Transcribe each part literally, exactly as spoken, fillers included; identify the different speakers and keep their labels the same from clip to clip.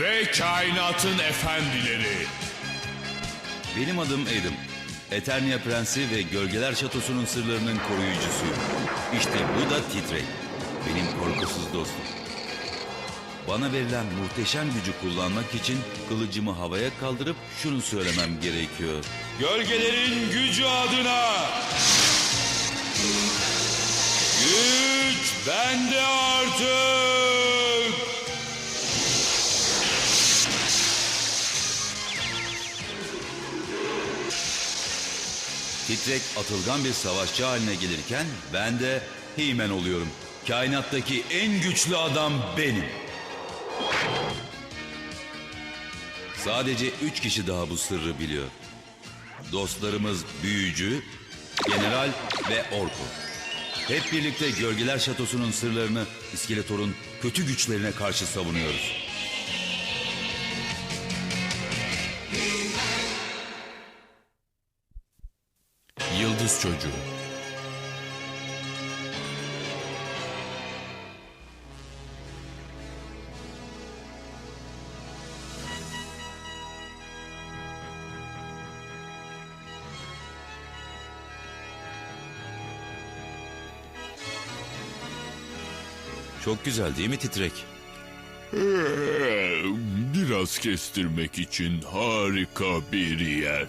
Speaker 1: ve kainatın efendileri.
Speaker 2: Benim adım Adam. Eternia Prensi ve Gölgeler Şatosu'nun sırlarının koruyucusuyum. İşte bu da Titrek. Benim korkusuz dostum. Bana verilen muhteşem gücü kullanmak için kılıcımı havaya kaldırıp şunu söylemem gerekiyor.
Speaker 1: Gölgelerin gücü adına. Güç bende artık.
Speaker 2: Titrek atılgan bir savaşçı haline gelirken ben de He-Man oluyorum. Kainattaki en güçlü adam benim. Sadece üç kişi daha bu sırrı biliyor. Dostlarımız Büyücü, General ve Orko. Hep birlikte Gölgeler Şatosu'nun sırlarını İskeletor'un kötü güçlerine karşı savunuyoruz.
Speaker 1: Yıldız Çocuğu.
Speaker 2: Çok güzel değil mi Titrek?
Speaker 1: Ee, biraz kestirmek için harika bir yer.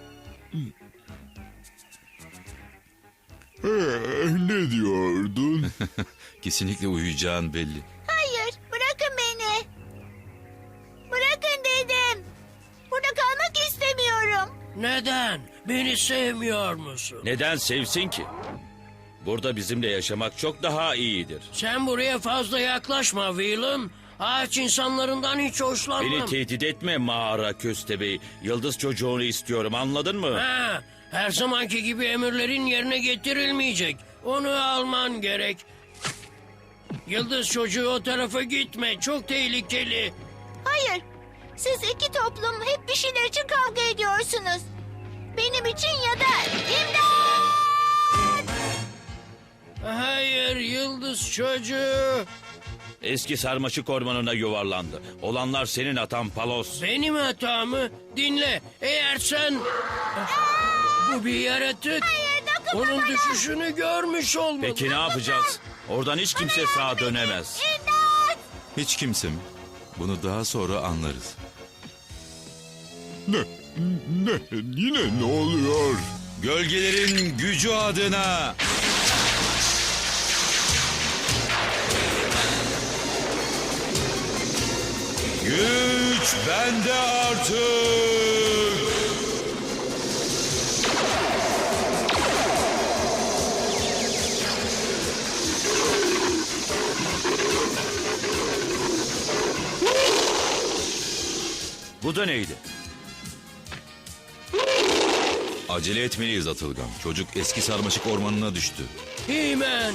Speaker 1: Ee, ne diyordun?
Speaker 2: Kesinlikle uyuyacağın belli.
Speaker 3: Hayır, bırakın beni. Bırakın dedim. Burada kalmak istemiyorum.
Speaker 4: Neden? Beni sevmiyor musun?
Speaker 5: Neden sevsin ki? Burada bizimle yaşamak çok daha iyidir.
Speaker 4: Sen buraya fazla yaklaşma Willem. Ağaç insanlarından hiç hoşlanmam.
Speaker 5: Beni tehdit etme mağara köstebeği. Yıldız çocuğunu istiyorum, anladın mı?
Speaker 4: Ha, her zamanki gibi emirlerin yerine getirilmeyecek. Onu alman gerek. Yıldız çocuğu o tarafa gitme. Çok tehlikeli.
Speaker 3: Hayır, siz iki toplum hep bir şeyler için kavga ediyorsunuz. Benim için ya da imdat!
Speaker 4: Hayır Yıldız çocuğu.
Speaker 5: Eski sarmaşık ormanına yuvarlandı. Olanlar senin atan Palos.
Speaker 4: Benim hatamı dinle. Eğer sen... Bu bir yaratık.
Speaker 3: Hayır, dokunma
Speaker 4: Onun
Speaker 3: bana!
Speaker 4: düşüşünü görmüş olmalı.
Speaker 5: Peki ne yapacağız? Oradan hiç kimse sağa dönemez.
Speaker 3: İmdat!
Speaker 2: Hiç kimse mi? Bunu daha sonra anlarız.
Speaker 1: Ne? Ne? Yine ne oluyor?
Speaker 2: Gölgelerin gücü adına.
Speaker 1: Güç bende artık.
Speaker 5: Bu da neydi?
Speaker 2: Acele etmeliyiz Atılgan. Çocuk eski sarmaşık ormanına düştü.
Speaker 4: He-Man.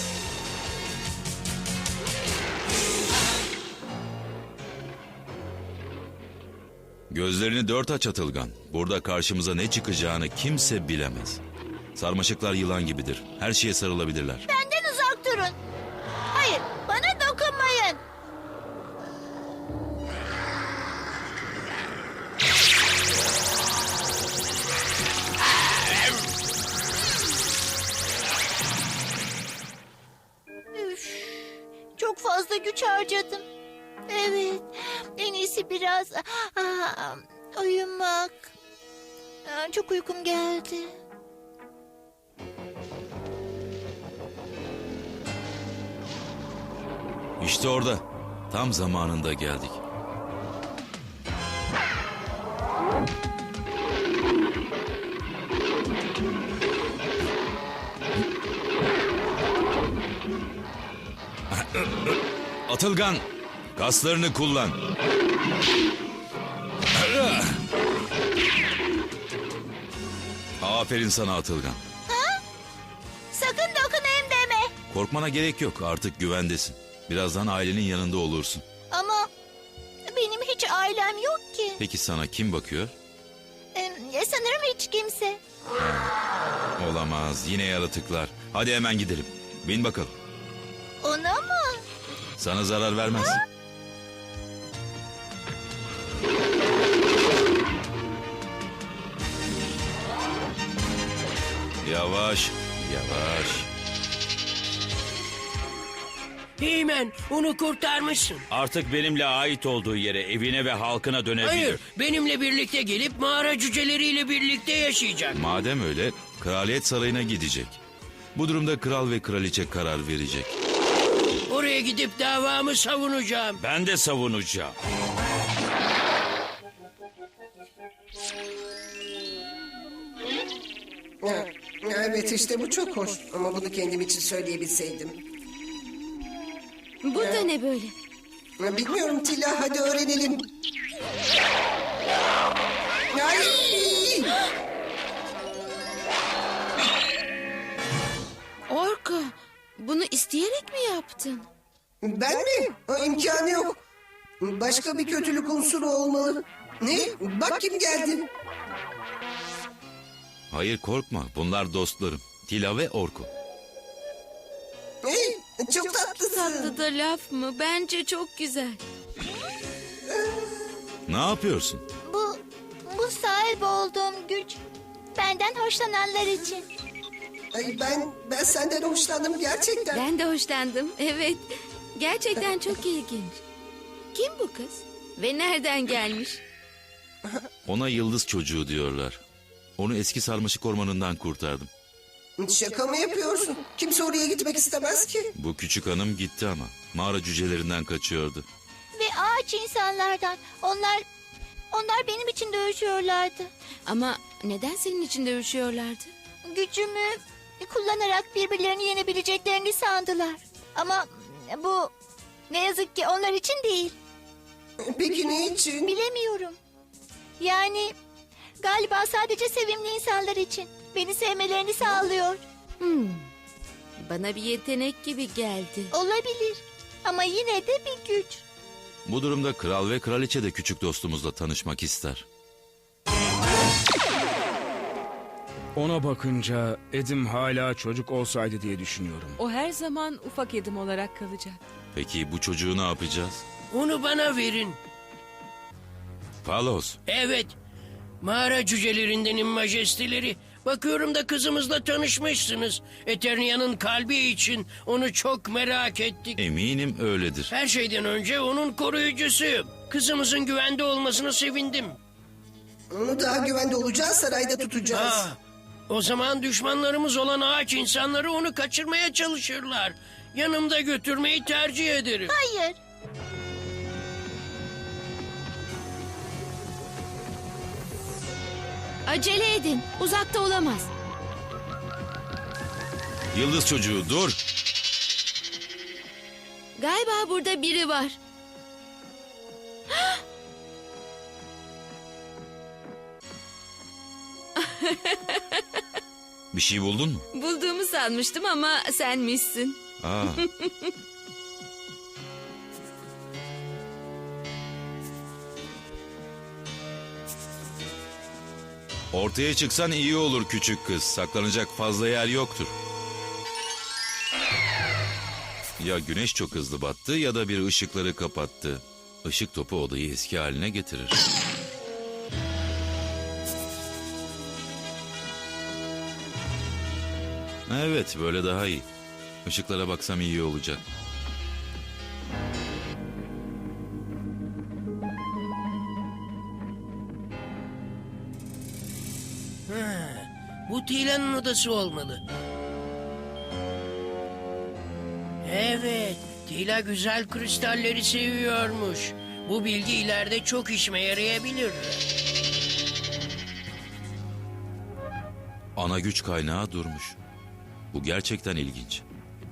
Speaker 2: Gözlerini dört aç Atılgan. Burada karşımıza ne çıkacağını kimse bilemez. Sarmaşıklar yılan gibidir. Her şeye sarılabilirler.
Speaker 3: Benden uzak durun. Hayır, bana dokunmayın. Üf, çok fazla güç harcadım. Evet, en iyisi biraz aa, uyumak. Aa, çok uykum geldi.
Speaker 2: İşte orada. Tam zamanında geldik. Atılgan, kaslarını kullan. Aferin sana Atılgan.
Speaker 3: Sakın dokunayım deme.
Speaker 2: Korkmana gerek yok, artık güvendesin. Birazdan ailenin yanında olursun.
Speaker 3: Ama benim hiç ailem yok ki.
Speaker 2: Peki sana kim bakıyor?
Speaker 3: Ee, sanırım hiç kimse.
Speaker 2: Olamaz, yine yaratıklar. Hadi hemen gidelim. Bin bakalım.
Speaker 3: Ona mı?
Speaker 2: Sana zarar vermez. Yavaş, yavaş.
Speaker 4: Heymen, onu kurtarmışsın.
Speaker 5: Artık benimle ait olduğu yere, evine ve halkına dönebilir.
Speaker 4: Hayır, benimle birlikte gelip mağara cüceleriyle birlikte yaşayacak.
Speaker 2: Madem öyle, kraliyet sarayına gidecek. Bu durumda kral ve kraliçe karar verecek.
Speaker 4: Oraya gidip davamı savunacağım.
Speaker 5: Ben de savunacağım.
Speaker 6: Ha, evet işte bu çok hoş ama bunu kendim için söyleyebilseydim.
Speaker 7: Bu da ne böyle?
Speaker 6: Ha, bilmiyorum Tila hadi öğrenelim. Ay!
Speaker 7: Orko, bunu isteyerek mi yaptın?
Speaker 6: Ben mi? Ha, imkanı yok. Başka bir kötülük unsuru olmalı. Ne? Bak kim geldi.
Speaker 2: Hayır korkma, bunlar dostlarım. Tila ve Orko.
Speaker 6: Hey, çok tatlısın.
Speaker 7: Tatlı da laf mı? Bence çok güzel.
Speaker 2: Ne yapıyorsun?
Speaker 3: Bu, bu sahip olduğum güç benden hoşlananlar için.
Speaker 6: Ay, ben ben senden hoşlandım gerçekten.
Speaker 7: Ben de hoşlandım. Evet. Gerçekten çok ilginç. Kim bu kız? Ve nereden gelmiş?
Speaker 2: Ona yıldız çocuğu diyorlar. Onu eski sarmaşık ormanından kurtardım.
Speaker 6: Şaka mı yapıyorsun? Kimse oraya gitmek istemez ki.
Speaker 2: Bu küçük hanım gitti ama. Mağara cücelerinden kaçıyordu.
Speaker 3: Ve ağaç insanlardan. Onlar, onlar benim için dövüşüyorlardı.
Speaker 7: Ama neden senin için dövüşüyorlardı?
Speaker 3: Gücümü kullanarak birbirlerini yenebileceklerini sandılar. Ama bu ne yazık ki onlar için değil.
Speaker 6: Peki ne için?
Speaker 3: Bilemiyorum. Yani galiba sadece sevimli insanlar için. Beni sevmelerini sağlıyor.
Speaker 7: Hmm. Bana bir yetenek gibi geldi.
Speaker 3: Olabilir. Ama yine de bir güç.
Speaker 2: Bu durumda kral ve kraliçe de küçük dostumuzla tanışmak ister.
Speaker 8: Ona bakınca Edim hala çocuk olsaydı diye düşünüyorum.
Speaker 9: O her zaman ufak Edim olarak kalacak.
Speaker 2: Peki bu çocuğu ne yapacağız?
Speaker 4: Onu bana verin.
Speaker 2: Palos,
Speaker 4: Evet, mağara cücelerindenin majesteleri. Bakıyorum da kızımızla tanışmışsınız. Eternia'nın kalbi için onu çok merak ettik.
Speaker 2: eminim öyledir.
Speaker 4: Her şeyden önce onun koruyucusuyum. Kızımızın güvende olmasına sevindim.
Speaker 6: Onu daha güvende olacağı sarayda tutacağız.
Speaker 4: Ah, o zaman düşmanlarımız olan ağaç insanları onu kaçırmaya çalışırlar. Yanımda götürmeyi tercih ederim.
Speaker 3: Hayır.
Speaker 7: Acele edin. Uzakta olamaz.
Speaker 2: Yıldız çocuğu dur.
Speaker 7: Galiba burada biri var.
Speaker 2: Bir şey buldun mu?
Speaker 7: Bulduğumu sanmıştım ama senmişsin.
Speaker 2: Aa, ortaya çıksan iyi olur küçük kız. Saklanacak fazla yer yoktur. Ya güneş çok hızlı battı ya da bir ışıkları kapattı. Işık topu odayı eski haline getirir. Evet, böyle daha iyi. Işıklara baksam iyi olacak.
Speaker 4: Bu Tila'nın odası olmalı. Evet, Tila güzel kristalleri seviyormuş. Bu bilgi ileride çok işime yarayabilir.
Speaker 2: Ana güç kaynağı durmuş. Bu gerçekten ilginç.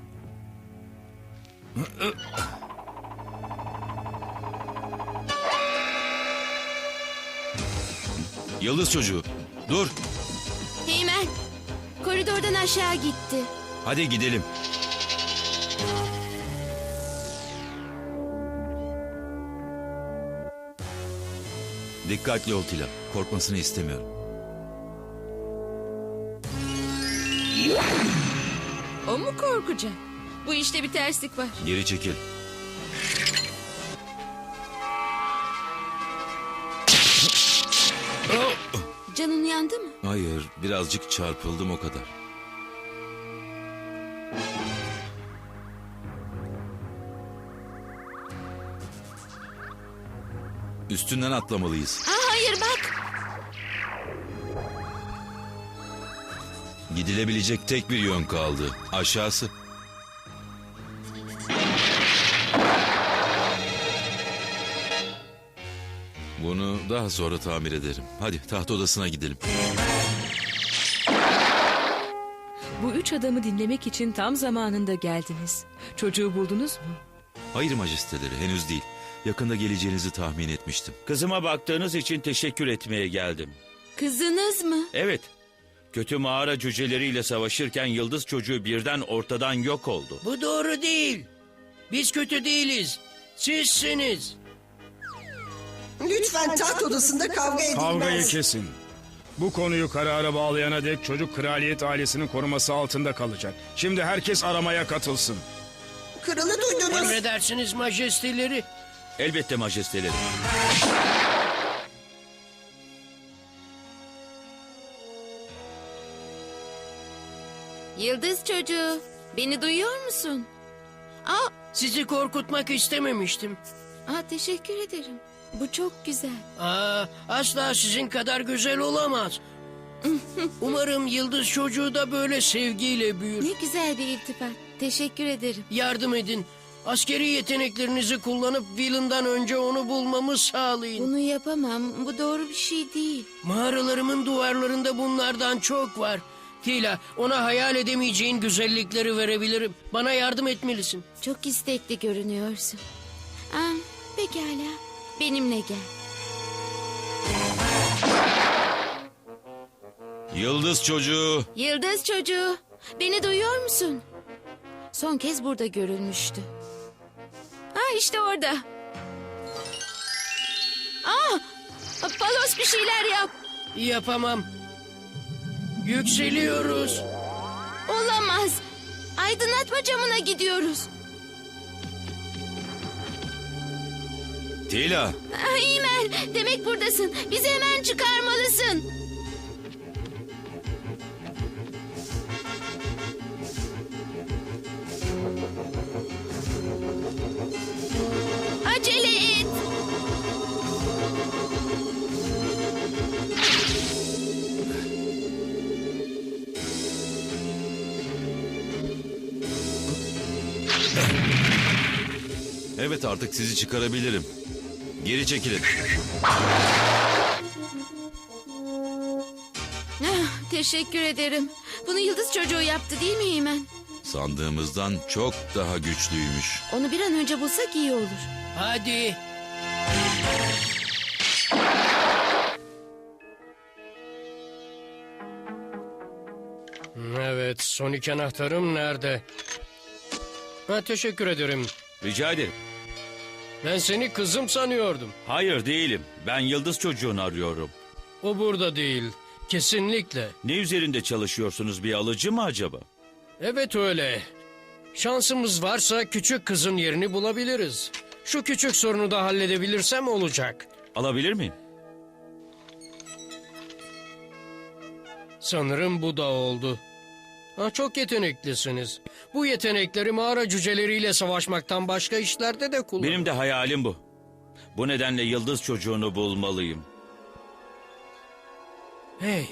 Speaker 2: Yıldız çocuğu, dur.
Speaker 7: Heymen, koridordan aşağı gitti.
Speaker 2: Hadi gidelim. Dikkatli ol Tila. Korkmasını istemiyorum.
Speaker 7: O mu korkacak? Bu işte bir terslik var.
Speaker 2: Geri çekil.
Speaker 7: Canın yandı mı?
Speaker 2: Hayır, birazcık çarpıldım o kadar. Üstünden atlamalıyız.
Speaker 7: Aa, hayır bak.
Speaker 2: Gidilebilecek tek bir yön kaldı. Aşağısı. Bunu daha sonra tamir ederim. Hadi taht odasına gidelim.
Speaker 9: Bu üç adamı dinlemek için tam zamanında geldiniz. Çocuğu buldunuz mu?
Speaker 2: Hayır majesteleri, henüz değil. Yakında geleceğinizi tahmin etmiştim.
Speaker 5: Kızıma baktığınız için teşekkür etmeye geldim.
Speaker 7: Kızınız mı?
Speaker 5: Evet. Kötü mağara cüceleriyle savaşırken yıldız çocuğu birden ortadan yok oldu.
Speaker 4: Bu doğru değil. Biz kötü değiliz. Sizsiniz.
Speaker 6: Lütfen taht odasında kavga edilmez.
Speaker 8: Kavgayı kesin. Bu konuyu karara bağlayana dek çocuk kraliyet ailesinin koruması altında kalacak. Şimdi herkes aramaya katılsın.
Speaker 6: Kralı duydunuz.
Speaker 4: Emredersiniz majesteleri.
Speaker 5: Elbette majesteleri.
Speaker 7: Yıldız çocuğu. Beni duyuyor musun? Aa,
Speaker 4: Sizi korkutmak istememiştim.
Speaker 7: aa, teşekkür ederim. Bu çok güzel.
Speaker 4: Aa, asla sizin kadar güzel olamaz. Umarım yıldız çocuğu da böyle sevgiyle büyür.
Speaker 7: Ne güzel bir iltifat. Teşekkür ederim.
Speaker 4: Yardım edin. Askeri yeteneklerinizi kullanıp Villain'dan önce onu bulmamı sağlayın.
Speaker 7: Bunu yapamam. Bu doğru bir şey değil.
Speaker 4: Mağaralarımın duvarlarında bunlardan çok var. Tila, ona hayal edemeyeceğin güzellikleri verebilirim. Bana yardım etmelisin.
Speaker 7: Çok istekli görünüyorsun. Aa, pekala. Benimle gel.
Speaker 2: Yıldız çocuğu.
Speaker 7: Yıldız çocuğu. Beni duyuyor musun? Son kez burada görülmüştü. Ha, işte orada. Aa, Palos bir şeyler yap.
Speaker 4: Yapamam. Yükseliyoruz.
Speaker 7: Olamaz. Aydınlatma camına gidiyoruz.
Speaker 2: Tila.
Speaker 7: Ah, İmen, demek buradasın. Bizi hemen çıkarmalısın. Acele et.
Speaker 2: Evet, artık sizi çıkarabilirim. Geri çekilin.
Speaker 7: Ah, teşekkür ederim. Bunu yıldız çocuğu yaptı değil mi İmen?
Speaker 2: Sandığımızdan çok daha güçlüymüş.
Speaker 7: Onu bir an önce bulsak iyi olur.
Speaker 4: Hadi. Evet, son iki anahtarım nerede? Ha, teşekkür ederim.
Speaker 5: Rica ederim.
Speaker 4: Ben seni kızım sanıyordum.
Speaker 5: Hayır değilim. Ben yıldız çocuğunu arıyorum.
Speaker 4: O burada değil. Kesinlikle.
Speaker 5: Ne üzerinde çalışıyorsunuz, bir alıcı mı acaba?
Speaker 4: Evet öyle. Şansımız varsa küçük kızın yerini bulabiliriz. Şu küçük sorunu da halledebilirsem olacak.
Speaker 5: Alabilir miyim?
Speaker 4: Sanırım bu da oldu. Ha, çok yeteneklisiniz. Bu yetenekleri mağara cüceleriyle savaşmaktan başka işlerde de kullanın.
Speaker 5: Benim de hayalim bu. Bu nedenle yıldız çocuğunu bulmalıyım.
Speaker 4: Hey.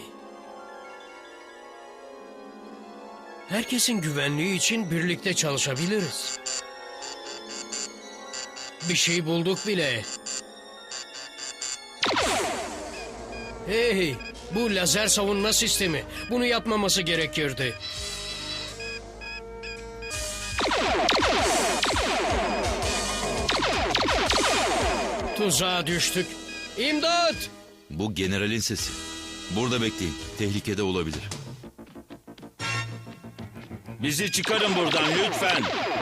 Speaker 4: Herkesin güvenliği için birlikte çalışabiliriz. Bir şey bulduk bile. Hey, bu lazer savunma sistemi. Bunu yapmaması gerekirdi. Tuzağa düştük. İmdat!
Speaker 2: Bu generalin sesi. Burada bekleyin. Tehlikede olabilir.
Speaker 5: Bizi çıkarın buradan lütfen.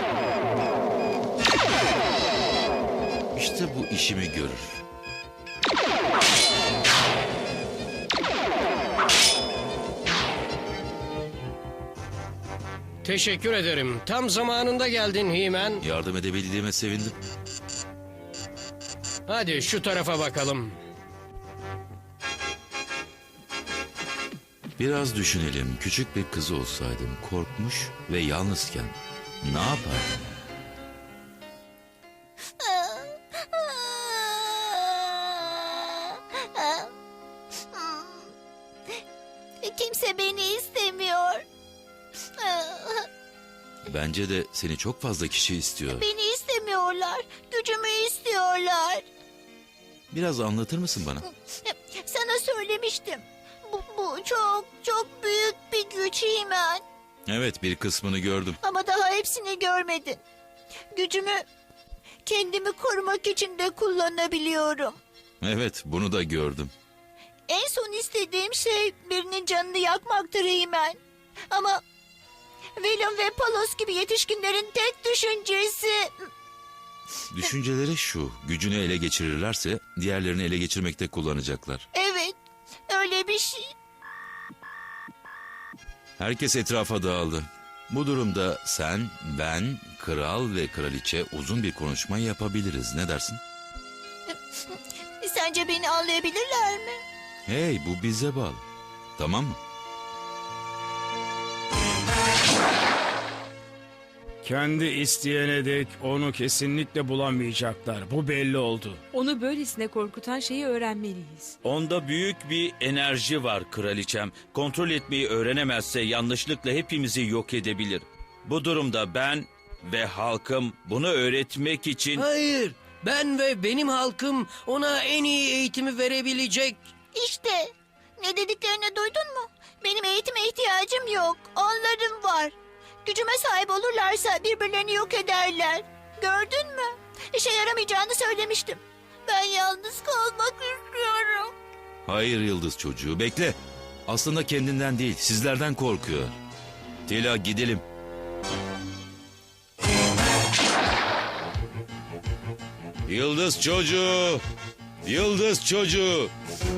Speaker 2: İşte bu işimi görür.
Speaker 4: Teşekkür ederim. Tam zamanında geldin He-Man.
Speaker 2: Yardım edebildiğime sevindim.
Speaker 4: Hadi şu tarafa bakalım.
Speaker 2: Biraz düşünelim. Küçük bir kız olsaydım, korkmuş ve yalnızken ne yapardım? Bence de seni çok fazla kişi istiyor.
Speaker 3: Beni istemiyorlar. Gücümü istiyorlar.
Speaker 2: Biraz anlatır mısın bana?
Speaker 3: Sana söylemiştim. Bu, bu çok çok büyük bir güç Himen.
Speaker 2: Evet, bir kısmını gördüm.
Speaker 3: Ama daha hepsini görmedin. Gücümü kendimi korumak için de kullanabiliyorum.
Speaker 2: Evet, bunu da gördüm.
Speaker 3: En son istediğim şey birinin canını yakmaktır Himen. Ama Willem ve Palos gibi yetişkinlerin tek düşüncesi...
Speaker 2: Düşünceleri şu, gücünü ele geçirirlerse diğerlerini ele geçirmekte kullanacaklar.
Speaker 3: Evet, öyle bir şey.
Speaker 2: Herkes etrafa dağıldı. Bu durumda sen, ben, kral ve kraliçe uzun bir konuşma yapabiliriz. Ne dersin?
Speaker 3: Sence beni anlayabilirler mi?
Speaker 2: Hey, bu bize bağlı. Tamam mı?
Speaker 8: Kendi isteyene dek onu kesinlikle bulamayacaklar. Bu belli oldu.
Speaker 9: Onu böylesine korkutan şeyi öğrenmeliyiz.
Speaker 5: Onda büyük bir enerji var kraliçem. Kontrol etmeyi öğrenemezse yanlışlıkla hepimizi yok edebilir. Bu durumda ben ve halkım bunu öğretmek için...
Speaker 4: Hayır, ben ve benim halkım ona en iyi eğitimi verebilecek.
Speaker 3: İşte, ne dediklerini duydun mu? Benim eğitime ihtiyacım yok, onların var. Gücüme sahip olurlarsa birbirlerini yok ederler. Gördün mü? İşe yaramayacağını söylemiştim. Ben yalnız kalmak istiyorum.
Speaker 2: Hayır yıldız çocuğu, bekle. Aslında kendinden değil, sizlerden korkuyor. Tila, gidelim. Yıldız çocuğu! Yıldız çocuğu!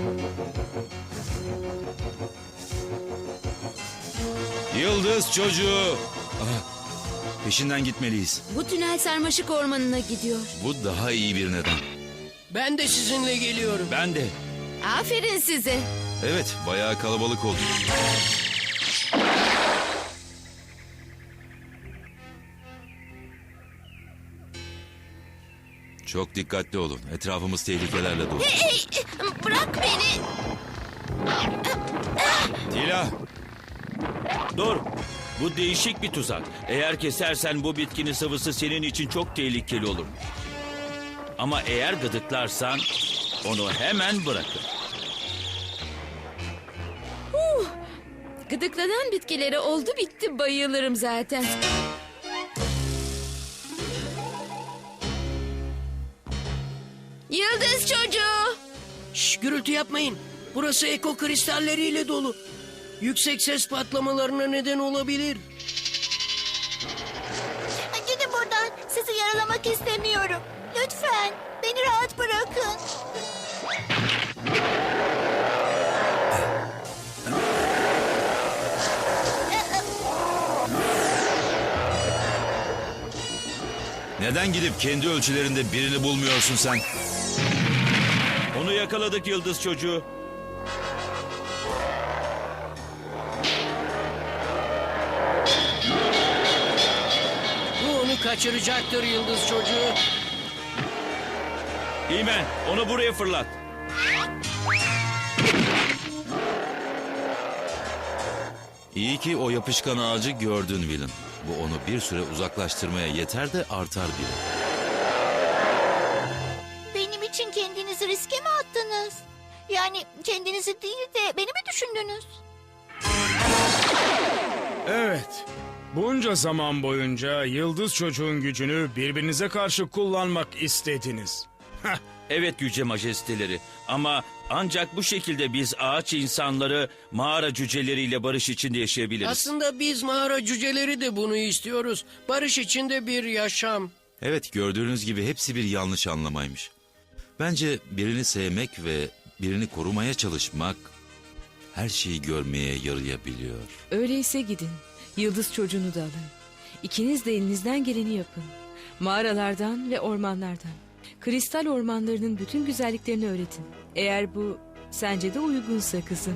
Speaker 2: Yıldız çocuğu! Ah, peşinden gitmeliyiz.
Speaker 7: Bu tünel sarmaşık ormanına gidiyor.
Speaker 2: Bu daha iyi bir neden.
Speaker 4: Ben de sizinle geliyorum.
Speaker 5: Ben de.
Speaker 7: Aferin size.
Speaker 2: Evet, bayağı kalabalık oldu. Çok dikkatli olun. Etrafımız tehlikelerle dolu.
Speaker 3: Hey, bırak beni.
Speaker 2: Tila!
Speaker 5: Dur. Bu değişik bir tuzak. Eğer kesersen bu bitkinin sıvısı senin için çok tehlikeli olur. Ama eğer gıdıklarsan onu hemen bırakır.
Speaker 7: Gıdıklanan bitkilere oldu bitti bayılırım zaten. Yıldız çocuğu.
Speaker 4: Şş, gürültü yapmayın. Burası eko kristalleriyle dolu. Yüksek ses patlamalarına neden olabilir.
Speaker 3: Gidin buradan. Sizi yaralamak istemiyorum. Lütfen beni rahat bırakın.
Speaker 2: Neden gidip kendi ölçülerinde birini bulmuyorsun sen?
Speaker 5: Onu yakaladık yıldız çocuğu.
Speaker 4: Bu onu kaçıracaktır yıldız çocuğu.
Speaker 5: İmen, onu buraya fırlat.
Speaker 2: İyi ki o yapışkan ağacı gördün Willem. Bu onu bir süre uzaklaştırmaya yeter de artar bile.
Speaker 3: Benim için kendinizi riske mi attınız? Yani kendinizi değil de beni mi düşündünüz?
Speaker 8: Evet. Bunca zaman boyunca yıldız çocuğun gücünü birbirinize karşı kullanmak istediniz. Heh,
Speaker 5: Evet yüce majesteleri ama ancak bu şekilde biz ağaç insanları mağara cüceleriyle barış içinde yaşayabiliriz.
Speaker 4: Aslında biz mağara cüceleri de bunu istiyoruz. Barış içinde bir yaşam.
Speaker 2: Evet, gördüğünüz gibi hepsi bir yanlış anlamaymış. Bence birini sevmek ve birini korumaya çalışmak her şeyi görmeye yarayabiliyor.
Speaker 9: Öyleyse gidin. Yıldız çocuğunu da alın. İkiniz de elinizden geleni yapın. Mağaralardan ve ormanlardan. Kristal ormanlarının bütün güzelliklerini öğretin. Eğer bu sence de uygunsa kızım.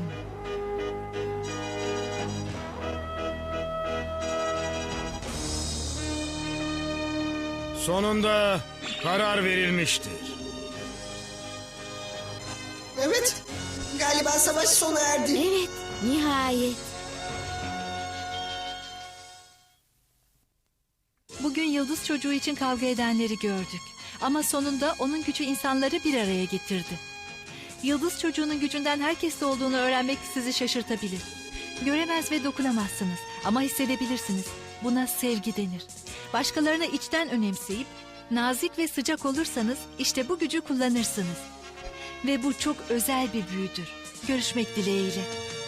Speaker 8: sonunda karar verilmiştir.
Speaker 6: Evet. Galiba savaş sona erdi.
Speaker 7: Evet, nihayet.
Speaker 10: Bugün yıldız çocuğu için kavga edenleri gördük. Ama sonunda onun gücü insanları bir araya getirdi. Yıldız çocuğunun gücünden herkeste olduğunu öğrenmek sizi şaşırtabilir. Göremez ve dokunamazsınız ama hissedebilirsiniz. Buna sevgi denir. Başkalarını içten önemseyip nazik ve sıcak olursanız işte bu gücü kullanırsınız. Ve bu çok özel bir büyüdür. Görüşmek dileğiyle.